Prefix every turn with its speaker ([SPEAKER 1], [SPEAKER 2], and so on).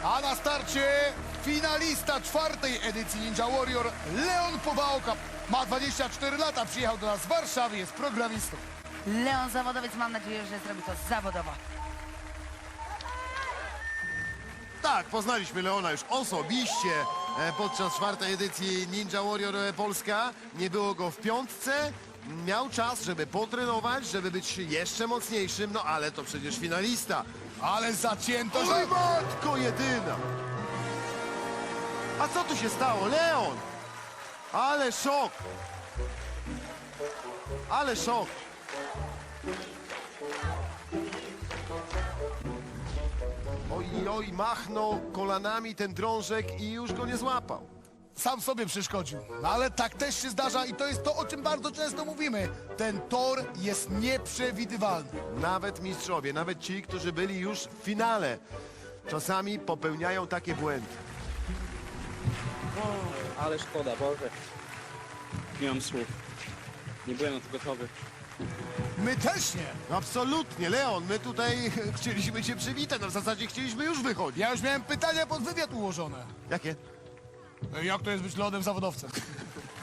[SPEAKER 1] A na starcie finalista czwartej edycji Ninja Warrior, Leon Powałka. Ma 24 lata, przyjechał do nas z Warszawy, jest programistą.
[SPEAKER 2] Leon zawodowiec, mam nadzieję, że zrobi to zawodowo.
[SPEAKER 3] Tak, poznaliśmy Leona już osobiście podczas czwartej edycji Ninja Warrior Polska. Nie było go w piątce. Miał czas, żeby potrenować, żeby być jeszcze mocniejszym, no ale to przecież finalista.
[SPEAKER 1] Ale zacięto, że...
[SPEAKER 3] Oj, matko jedyna! A co tu się stało? Leon! Ale szok! Ale szok! Oj, machnął kolanami ten drążek i już go nie złapał.
[SPEAKER 1] Sam sobie przeszkodził. No ale tak też się zdarza i to jest to, o czym bardzo często mówimy. Ten tor jest nieprzewidywalny.
[SPEAKER 3] Nawet mistrzowie, nawet ci, którzy byli już w finale, czasami popełniają takie błędy.
[SPEAKER 4] Ale szkoda, Boże. Nie mam słów. Nie byłem na to gotowy.
[SPEAKER 1] My też nie.
[SPEAKER 3] Absolutnie, Leon, my tutaj chcieliśmy cię przywitać, no w zasadzie chcieliśmy już wychodzić.
[SPEAKER 1] Ja już miałem pytania pod wywiad ułożone.
[SPEAKER 3] Jakie?
[SPEAKER 1] Jak to jest być lodem zawodowcem?